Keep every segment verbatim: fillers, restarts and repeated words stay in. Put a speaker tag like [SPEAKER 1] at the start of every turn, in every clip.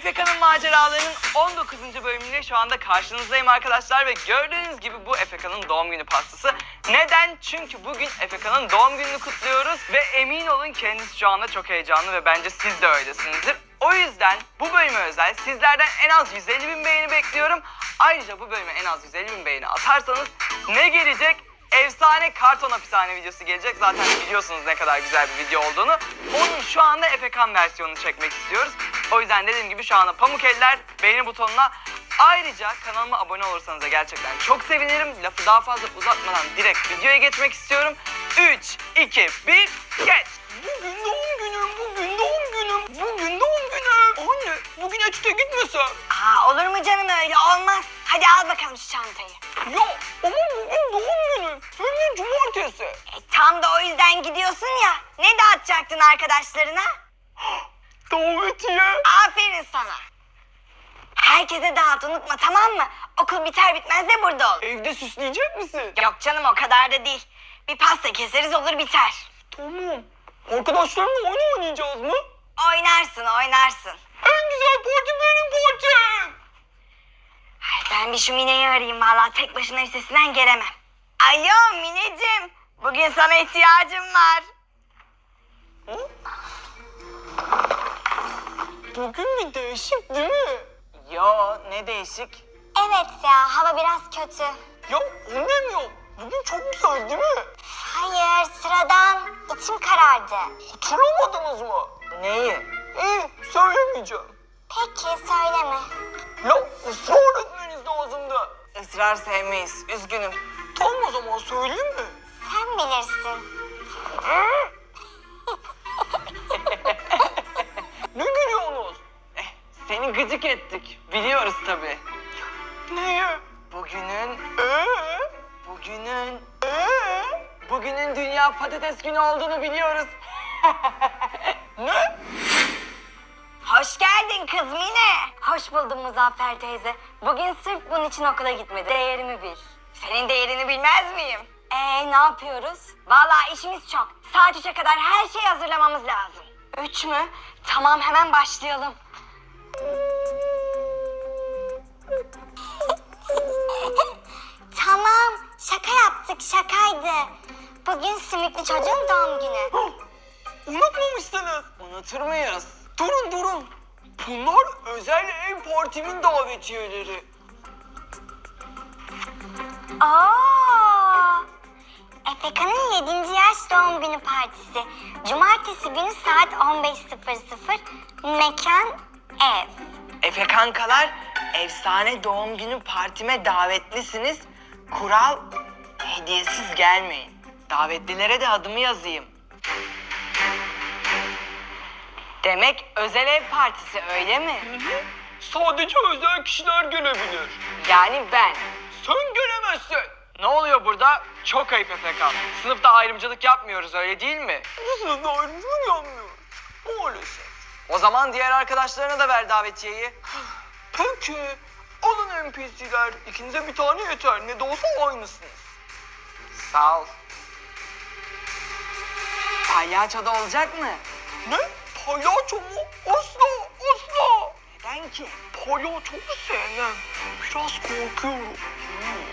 [SPEAKER 1] Efeka'nın maceralarının on dokuzuncu bölümüyle şu anda karşınızdayım arkadaşlar ve gördüğünüz gibi bu Efeka'nın doğum günü pastası. Neden? Çünkü bugün Efeka'nın doğum gününü kutluyoruz ve emin olun kendisi şu anda çok heyecanlı ve bence siz de öylesinizdir. O yüzden bu bölüme özel sizlerden en az yüz elli bin beğeni bekliyorum. Ayrıca bu bölüme en az yüz elli bin beğeni atarsanız ne gelecek? Efsane karton hapishane videosu gelecek. Zaten biliyorsunuz ne kadar güzel bir video olduğunu. Onun şu anda Efekan versiyonunu çekmek istiyoruz. O yüzden dediğim gibi şu anda pamuk eller beğeni butonuna. Ayrıca kanalıma abone olursanız da gerçekten çok sevinirim. Lafı daha fazla uzatmadan direkt videoya geçmek istiyorum. üç, iki, bir, geç! Bugün doğum günüm, bugün doğum günüm, bugün doğum günüm. Anne, bugün etüte gitmesem?
[SPEAKER 2] Aa, olur mu canım, öyle olmaz. Hadi al bakalım şu çantayı.
[SPEAKER 1] Ya ama bugün doğum günüm. Hem de cumartesi.
[SPEAKER 2] E, tam da o yüzden gidiyorsun ya. Ne dağıtacaktın arkadaşlarına?
[SPEAKER 1] Davetiye.
[SPEAKER 2] Aferin sana. Herkese dağıt, unutma, tamam mı? Okul biter bitmez de burada ol.
[SPEAKER 1] Evde süsleyecek misin?
[SPEAKER 2] Yok canım, o kadar da değil. Bir pasta keseriz, olur biter.
[SPEAKER 1] Tamam. Arkadaşlarımla oyun oynayacağız mı?
[SPEAKER 2] Oynarsın oynarsın.
[SPEAKER 1] En güzel parti benim partim.
[SPEAKER 2] Ay, ben bir şu Mine'yi arayayım, vallahi tek başına üstesinden gelemem. Alo Mineciğim, bugün sana ihtiyacım var.
[SPEAKER 1] Hı? Bugün bir değişik değil mi? Yo, ne değişik?
[SPEAKER 2] Evet ya, hava biraz kötü.
[SPEAKER 1] Ya o demiyorum. Bugün çok güzel değil mi?
[SPEAKER 2] Hayır, sıradan. İçim karardı.
[SPEAKER 1] Hatırlamadınız mı? Neyi? İyi, söylemeyeceğim.
[SPEAKER 2] Peki, söyleme.
[SPEAKER 1] Ya ısrar etmeniz lazımdı. Israr sevmeyiz, üzgünüm. Tam o zaman söyleyeyim mi?
[SPEAKER 2] Sen bilirsin.
[SPEAKER 1] Ne gülüyorsunuz? Eh, seni gıcık ettik. Biliyoruz tabii. Neyi? Bugünün... Ee? Bugünün... Ee? Bugünün Dünya Patates Günü olduğunu biliyoruz. Ne?
[SPEAKER 2] Hoş geldin kız Mine. Hoş buldum Muzaffer teyze. Bugün sırf bunun için okula gitmedim. Değerimi bil. Senin değerini bilmez miyim? Ee, ne yapıyoruz? Vallahi işimiz çok. Saat üçe kadar her şeyi hazırlamamız lazım. Üç mü? Tamam, hemen başlayalım. Tamam, şaka yaptık, şakaydı. Bugün Simitli çocuğun doğum günü.
[SPEAKER 1] Unutmamışsınız. Unutur muyuz? Durun durun. Bunlar özel ev partimin davetiyeleri.
[SPEAKER 2] Aa! Efeka'nın yedinci yaş doğum günü partisi. Cumartesi günü saat on beş sıfır sıfır. Mekan ev.
[SPEAKER 1] Efe kankalar, efsane doğum günü partime davetlisiniz. Kural, hediyesiz gelmeyin. Davetlilere de adımı yazayım. Demek özel ev partisi, öyle mi? Hı hı. Sadece özel kişiler gelebilir. Yani ben. Sen gelemezsin. Ne oluyor burada? Çok ayıp Efekan. Sınıfta ayrımcılık yapmıyoruz, öyle değil mi? Bu sınıfta ayrımcılık yapmıyoruz. Maalesef. O zaman diğer arkadaşlarına da ver davetiyeyi. Peki. Alın N P C'ler. İkinize bir tane yeter. Ne de olsa aynısınız. Sağ ol. Palyaço da olacak mı? Ne? Palyaço mu? Asla, asla. Neden ki? Palyaçoyu sevmem. Biraz korkuyorum. Hmm.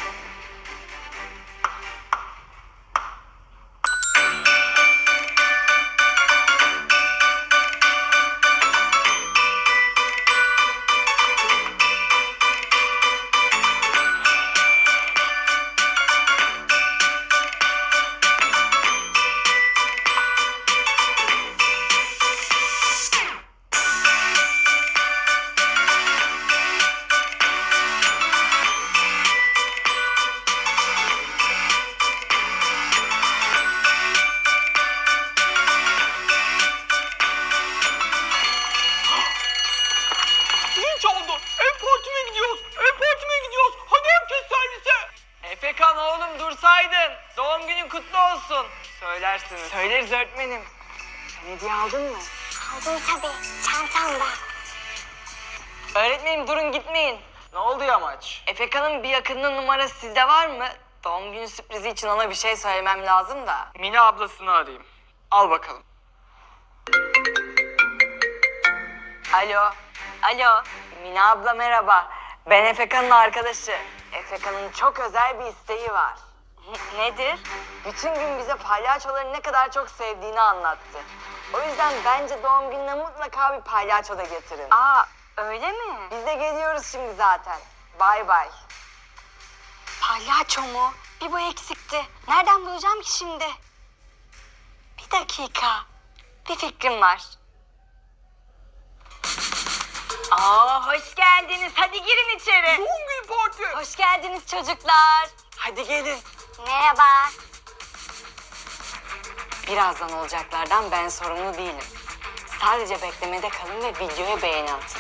[SPEAKER 1] Çaldı. Ev partime gidiyoruz. Ev partime gidiyoruz. Hadi herkes servise. Efekan oğlum dursaydın. Doğum günün kutlu olsun. Söylersiniz. Söyleriz öğretmenim. Sen hediye aldın mı?
[SPEAKER 2] Aldım tabii, çantamda.
[SPEAKER 1] Öğretmenim durun gitmeyin. Ne oldu yamaç? Efekan'ın bir yakınının numarası sizde var mı? Doğum günü sürprizi için ona bir şey söylemem lazım da. Mine ablasını arayayım. Al bakalım. Alo.
[SPEAKER 2] Alo.
[SPEAKER 1] Mine abla merhaba. Ben Efeka'nın arkadaşı. Efeka'nın çok özel bir isteği var.
[SPEAKER 2] Nedir?
[SPEAKER 1] Bütün gün bize palyaçoları ne kadar çok sevdiğini anlattı. O yüzden bence doğum gününe mutlaka bir palyaço da getirin.
[SPEAKER 2] Aa, öyle mi?
[SPEAKER 1] Biz de geliyoruz şimdi zaten. Bay bay.
[SPEAKER 2] Palyaço mu? Bir bu eksikti. Nereden bulacağım ki şimdi? Bir dakika. Bir fikrim var. Aa, hoş geldiniz. Hadi girin içeri.
[SPEAKER 1] Doğum günü parti.
[SPEAKER 2] Hoş geldiniz çocuklar.
[SPEAKER 1] Hadi gelin.
[SPEAKER 2] Merhaba.
[SPEAKER 1] Birazdan olacaklardan ben sorumlu değilim. Sadece beklemede kalın ve videoya beğeni atın.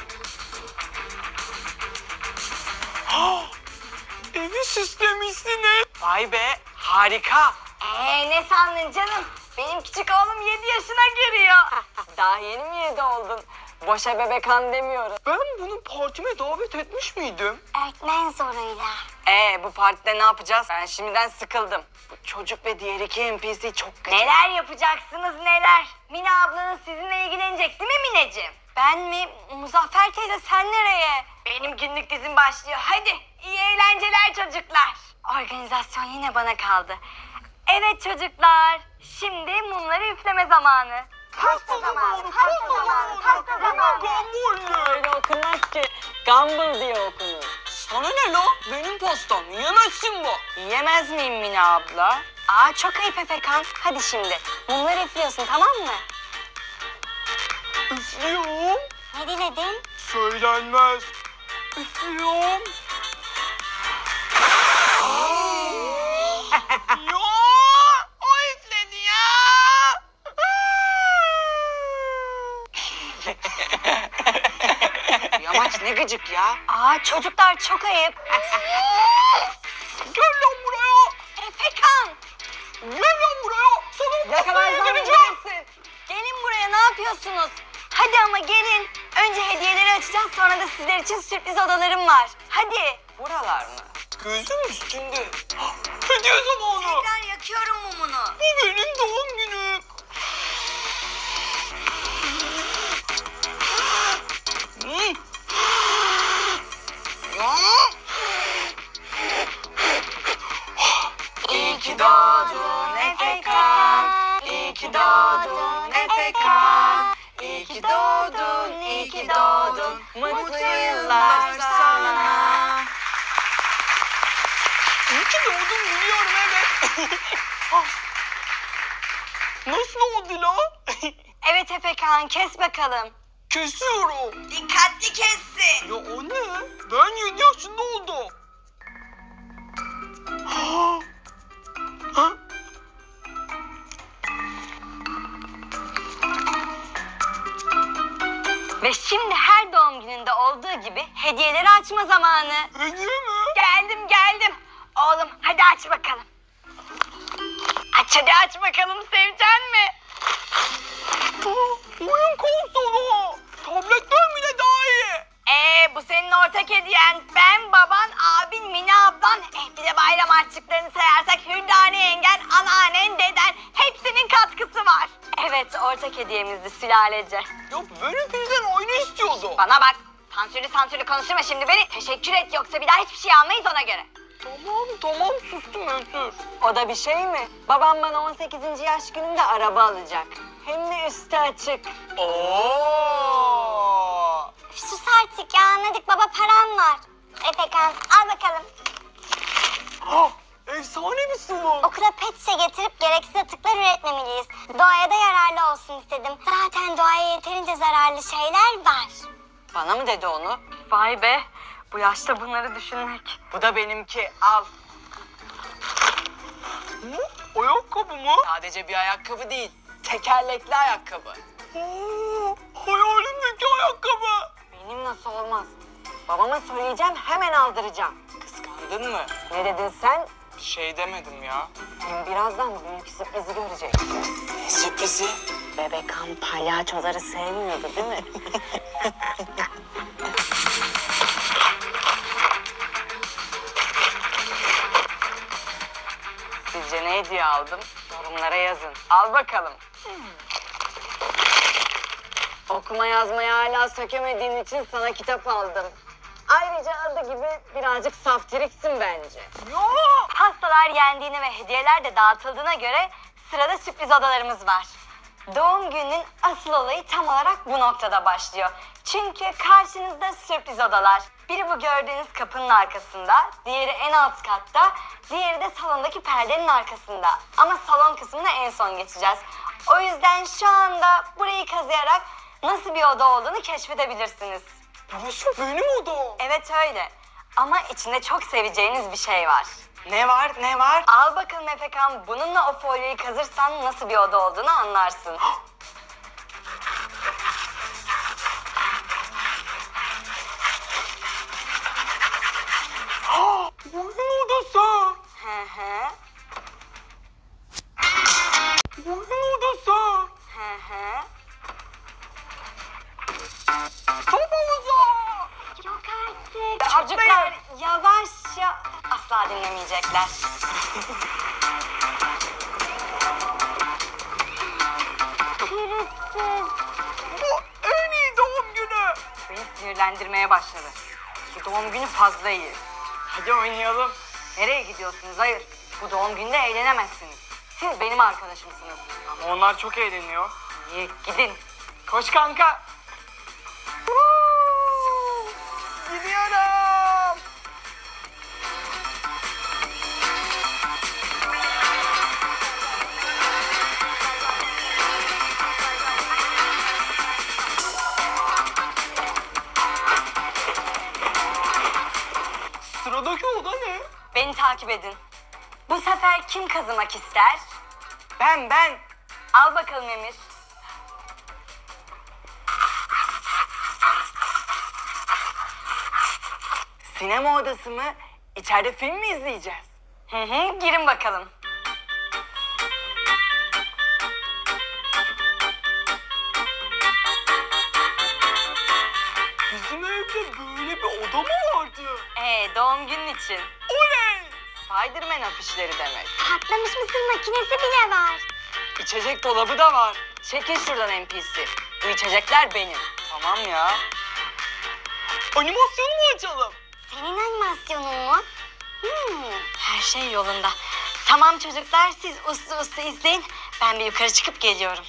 [SPEAKER 1] Evi süslemişsiniz. Vay be, harika.
[SPEAKER 2] Ee, ne sandın canım? Benim küçük oğlum yedi yaşına giriyor.
[SPEAKER 1] Daha yeni mi yedi oldun? Boşa bebekan demiyoruz. Ben bunu partime davet etmiş miydim?
[SPEAKER 2] Öğretmen zoruyla.
[SPEAKER 1] Ee, bu partide ne yapacağız? Ben şimdiden sıkıldım. Bu çocuk ve diğer iki N P C çok kötü.
[SPEAKER 2] Neler yapacaksınız neler? Mine ablanız sizinle ilgilenecek değil mi Mineciğim? Ben mi? Muzaffer teyze sen nereye? Benim günlük dizim başlıyor. Hadi iyi eğlenceler çocuklar. Organizasyon yine bana kaldı. Evet çocuklar. Şimdi mumları üfleme zamanı. Pasta zamanı, pasta zamanı, pasta zamanı.
[SPEAKER 1] Öyle okunmaz ki. Gumball diye okunur. Sana ne lo? Benim pastam. Yiyemezsin bu. Yiyemez miyim Mine abla?
[SPEAKER 2] Aa çok ayıp Efekan. Hadi şimdi mumları üflüyorsun tamam mı?
[SPEAKER 1] Üflüyorum.
[SPEAKER 2] Ne diledin?
[SPEAKER 1] Söylenmez. Üflüyorum. Ya! O üfledi ya! Yamaç ne gıcık ya.
[SPEAKER 2] Aa çocuklar çok ayıp.
[SPEAKER 1] Gel lan buraya.
[SPEAKER 2] Efekan.
[SPEAKER 1] Gel lan buraya. Sana
[SPEAKER 2] Yakalarsan
[SPEAKER 1] geleceğim.
[SPEAKER 2] gelirsin. Gelin buraya ne yapıyorsunuz? Hadi ama gelin. Önce hediyeleri açacağız sonra da sizler için sürpriz odalarım var. Hadi.
[SPEAKER 1] Buralar mı? Gözüm üstünde. Hediye zamanı.
[SPEAKER 2] Tekrar yakıyorum mumunu.
[SPEAKER 1] Bu benim doğum günüm. Hmm. Ya. İyi ki doğdun Efekan. İyi ki doğdun Efekan. İyi ki doğdun, iyi ki doğdun. Mutlu yıllar sana. İyi ki doğdun biliyorum evet. Nasıl oldu la?
[SPEAKER 2] Evet Efekan kes bakalım.
[SPEAKER 1] Kesiyorum.
[SPEAKER 2] Dikkatli kessin.
[SPEAKER 1] Ya o ne? Ben yedi yaşında oldum. Ha? Ha?
[SPEAKER 2] Ve şimdi her doğum gününde olduğu gibi hediyeleri açma zamanı.
[SPEAKER 1] Hediye mi?
[SPEAKER 2] Geldim geldim. Oğlum hadi aç bakalım. Aç hadi aç bakalım sevecen mi?
[SPEAKER 1] Aa, oyun konsolu. Tabletten bile daha iyi.
[SPEAKER 2] Ee bu senin ortak hediyen. Ben, baban, abin, Mine ablan. Eh bir de bayram harçlıklarını sayarsak Hürdane yengen, anneannen, deden hepsinin katkısı var. Evet ortak hediyemizdi sülalece.
[SPEAKER 1] Ya ben hepinizden oyunu istiyordum.
[SPEAKER 2] Bana bak sansürlü sansürlü konuşma şimdi beni. Teşekkür et yoksa bir daha hiçbir şey almayız ona göre.
[SPEAKER 1] Tamam tamam sustum özür.
[SPEAKER 3] O da bir şey mi? Babam bana on sekizinci yaş gününde araba alacak. Hem de üstü açık.
[SPEAKER 1] Oo.
[SPEAKER 2] Sus artık ya anladık baba param var. Efekan al bakalım.
[SPEAKER 1] Ah, efsane bir sıvı.
[SPEAKER 2] Okula pet şişe getirip gereksiz atıklar üretmemeliyiz. Doğaya da yararlı olsun istedim. Zaten doğaya yeterince zararlı şeyler var.
[SPEAKER 3] Bana mı dedi onu?
[SPEAKER 2] Vay be bu yaşta bunları düşünmek.
[SPEAKER 1] Bu da benimki. Al. Hı? Ayakkabı mı?
[SPEAKER 3] Sadece bir ayakkabı değil. Tekerlekli ayakkabı.
[SPEAKER 1] Oo, hayalimdeki ayakkabı.
[SPEAKER 3] Benim nasıl olmaz? Babama söyleyeceğim hemen aldıracağım.
[SPEAKER 1] Kıskandın mı?
[SPEAKER 3] Ne dedin sen?
[SPEAKER 1] Bir şey demedim ya.
[SPEAKER 3] Hem birazdan büyük sürprizi göreceksin.
[SPEAKER 1] Ne sürprizi?
[SPEAKER 3] Bebekan palyaçoları sevmiyordu değil mi?
[SPEAKER 1] Sizce ne hediye aldım? Yorumlara yazın. Al bakalım.
[SPEAKER 3] Okuma yazmayı hala sökemediğin için sana kitap aldım. Ayrıca adı gibi birazcık saftiriksin bence.
[SPEAKER 2] Pastalar yendiğine ve hediyeler de dağıtıldığına göre sırada sürpriz odalarımız var. Doğum gününün asıl olayı tam olarak bu noktada başlıyor. Çünkü karşınızda sürpriz odalar. Biri bu gördüğünüz kapının arkasında, diğeri en alt katta, diğeri de salondaki perdenin arkasında. Ama salon kısmına en son geçeceğiz. O yüzden şu anda burayı kazıyarak nasıl bir oda olduğunu keşfedebilirsiniz.
[SPEAKER 1] Burası benim odam.
[SPEAKER 2] Evet öyle. Ama içinde çok seveceğiniz bir şey var.
[SPEAKER 1] Ne var ne var?
[SPEAKER 2] Al bakalım Efekan, bununla o folyoyu kazırsan nasıl bir oda olduğunu anlarsın.
[SPEAKER 1] Oyun odası.
[SPEAKER 2] Hı hı,
[SPEAKER 1] Oyun odası.
[SPEAKER 2] hı hı.
[SPEAKER 1] Top havuzu.
[SPEAKER 2] Yok artık. Çocuklar yavaşça asla dinlemeyecekler. Pürüzsüz.
[SPEAKER 1] Bu en iyi doğum günü.
[SPEAKER 2] Beni sinirlendirmeye başladı. Bu doğum günü fazla iyi.
[SPEAKER 1] Hadi oynayalım.
[SPEAKER 2] Nereye gidiyorsunuz? Hayır. Bu doğum günde eğlenemezsiniz. Siz benim arkadaşımsınız.
[SPEAKER 1] Ama onlar çok eğleniyor.
[SPEAKER 2] İyi, gidin.
[SPEAKER 1] Koş kanka. Woo! Gidiyorum. Sıradaki oda ne?
[SPEAKER 2] Beni takip edin. Bu sefer kim kazımak ister?
[SPEAKER 1] Ben ben.
[SPEAKER 2] Al bakalım Emir.
[SPEAKER 1] Sinema odası mı? İçeride film mi izleyeceğiz?
[SPEAKER 2] Hı hı, girin bakalım.
[SPEAKER 1] Bizim evde böyle bir oda mı vardı?
[SPEAKER 2] Ee, doğum günün için.
[SPEAKER 1] Oley!
[SPEAKER 2] Spiderman afişleri demek.
[SPEAKER 4] Patlamış mısır makinesi bile var.
[SPEAKER 1] İçecek dolabı da var.
[SPEAKER 2] Çekil şuradan N P C. Bu içecekler benim.
[SPEAKER 1] Tamam ya. Animasyon mu açalım?
[SPEAKER 4] Senin animasyonun mu? Hmm.
[SPEAKER 2] Her şey yolunda. Tamam çocuklar, siz uslu uslu izleyin. Ben bir yukarı çıkıp geliyorum.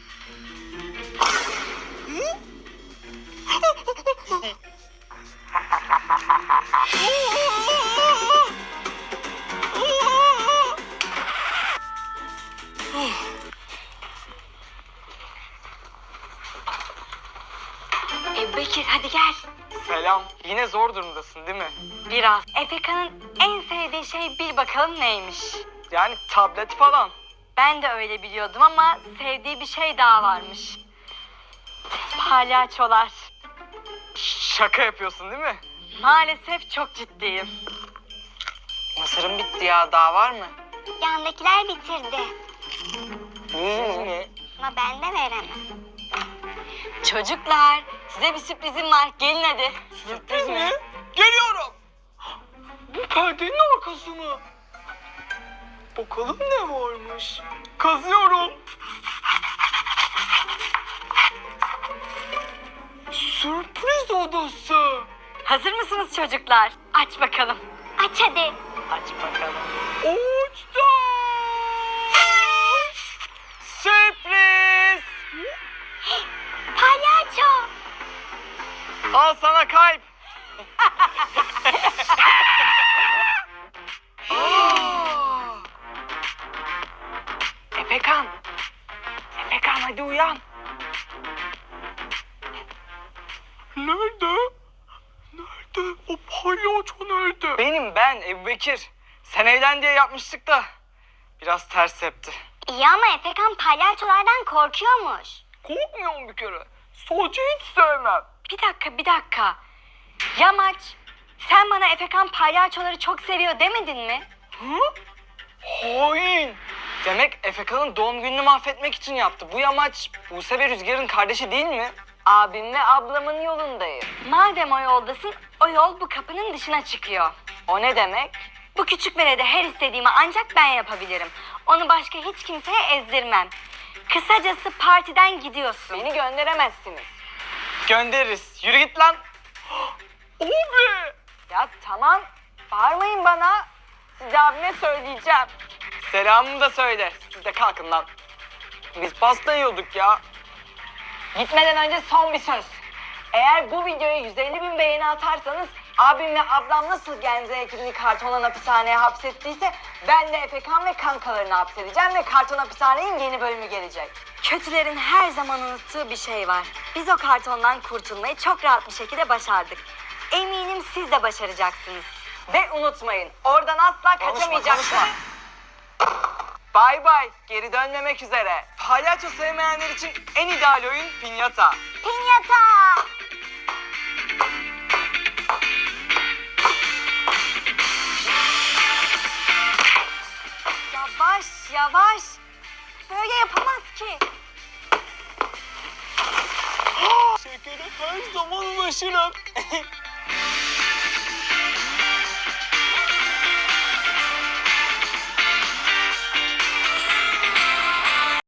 [SPEAKER 2] Ebu Bekir hadi gel.
[SPEAKER 1] Selam. Yine zor durumdasın değil mi?
[SPEAKER 2] Biraz. Efeka'nın en sevdiği şey bil bakalım neymiş.
[SPEAKER 1] Yani tablet falan.
[SPEAKER 2] Ben de öyle biliyordum ama sevdiği bir şey daha varmış. Palyaçolar.
[SPEAKER 1] Şaka yapıyorsun değil mi?
[SPEAKER 2] Maalesef çok ciddiyim.
[SPEAKER 1] Mısırım bitti ya. Daha var mı?
[SPEAKER 4] Yandakiler bitirdi.
[SPEAKER 1] Ne?
[SPEAKER 4] Ama ben de veremem.
[SPEAKER 2] Çocuklar size bir sürprizim var. Gelin hadi.
[SPEAKER 1] Sürpriz mi? Geliyorum. Bu perdenin arkası mı? Bakalım ne varmış. Kazıyorum. Sürpriz odası.
[SPEAKER 2] Hazır mısınız çocuklar? Aç bakalım.
[SPEAKER 4] Aç hadi.
[SPEAKER 2] Aç bakalım.
[SPEAKER 1] Uçtum. Sürpriz.
[SPEAKER 4] Palyaço.
[SPEAKER 1] Al sana kalp. Efekan. Efekan hadi uyan. Nerede? Nerede? O palyaço nerede? Benim ben Ebu Bekir. Sen evlen diye yapmıştık da biraz ters tepti.
[SPEAKER 4] İyi ama Efekan palyaçolardan korkuyormuş.
[SPEAKER 1] Korkmuyorum bir kere. Sadece hiç sevmem.
[SPEAKER 2] Bir dakika bir dakika. Yamaç sen bana Efekan palyaçoları çok seviyor demedin mi?
[SPEAKER 1] Hı? Hain. Demek Efekan'ın doğum gününü mahvetmek için yaptı. Bu yamaç Buse ve Rüzgar'ın kardeşi değil mi?
[SPEAKER 2] Abim ve ablamın yolundayım. Madem o yoldasın, o yol bu kapının dışına çıkıyor.
[SPEAKER 3] O ne demek?
[SPEAKER 2] Bu küçük velede her istediğimi ancak ben yapabilirim. Onu başka hiç kimseye ezdirmem. Kısacası partiden gidiyorsun.
[SPEAKER 3] Beni gönderemezsiniz.
[SPEAKER 1] Göndeririz. Yürü git lan. Oh be!
[SPEAKER 3] Ya tamam, bağırmayın bana. Size abime söyleyeceğim.
[SPEAKER 1] Selamımı da söyle. Siz de kalkın lan. Biz pasta yiyorduk ya.
[SPEAKER 3] Gitmeden önce son bir söz. Eğer bu videoya yüz elli bin beğeni atarsanız abim ve ablam nasıl Genze ekibini kartondan hapishaneye hapsettiyse ben de Efekan ve kankalarını hapsedeceğim ve karton hapishanenin yeni bölümü gelecek.
[SPEAKER 2] Kötülerin her zaman unuttuğu bir şey var. Biz o kartondan kurtulmayı çok rahat bir şekilde başardık. Eminim siz de başaracaksınız.
[SPEAKER 3] Ve unutmayın, oradan asla
[SPEAKER 1] Konuşma,
[SPEAKER 3] kaçamayacaksınız.
[SPEAKER 1] konuşma. Bay bay. Geri dönmemek üzere. Palyaço sevmeyenler için en ideal oyun pinyata.
[SPEAKER 2] Pinyata! Yavaş yavaş. Böyle yapamaz ki.
[SPEAKER 1] Şekere her zaman ulaşırım.